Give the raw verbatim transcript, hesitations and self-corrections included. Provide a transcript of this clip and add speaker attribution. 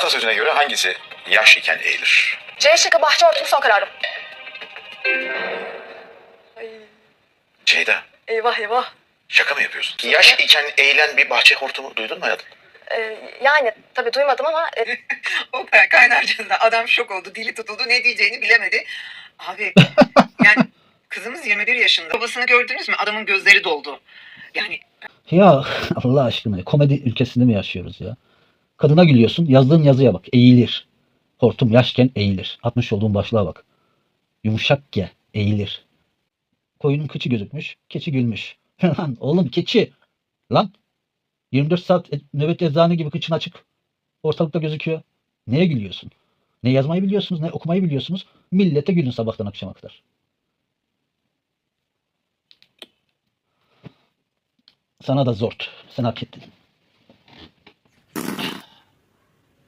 Speaker 1: Atasözüne göre hangisi yaş iken eğilir?
Speaker 2: C şıkkı bahçe hortumu son kararım. Ay,
Speaker 1: Ceyda,
Speaker 2: eyvah eyvah.
Speaker 1: şaka mı yapıyorsun? Yaş iken eğilen bir bahçe hortumu duydun mu hayatım?
Speaker 2: Ee, yani tabii duymadım ama e,
Speaker 3: O kaynarcasında adam şok oldu, dili tutuldu, ne diyeceğini bilemedi. Abi yani kızımız yirmi bir yaşında. Babasını gördünüz mü? Adamın gözleri doldu. Yani
Speaker 4: Ya Allah aşkına komedi ülkesinde mi yaşıyoruz ya? Kadına gülüyorsun. Yazdığın yazıya bak. Eğilir. Hortum yaşken eğilir. Atmış olduğun başlığa bak. Yumuşak ge. Eğilir. Koyunun kıçı gözükmüş. Keçi gülmüş. Lan oğlum keçi. Lan. yirmi dört saat e- nöbet eczane gibi kıçın açık. Ortalıkta gözüküyor. Neye gülüyorsun? Ne yazmayı biliyorsunuz ne okumayı biliyorsunuz. Millete gülün sabahtan akşama kadar. Sana da zort. Sen hak ettin.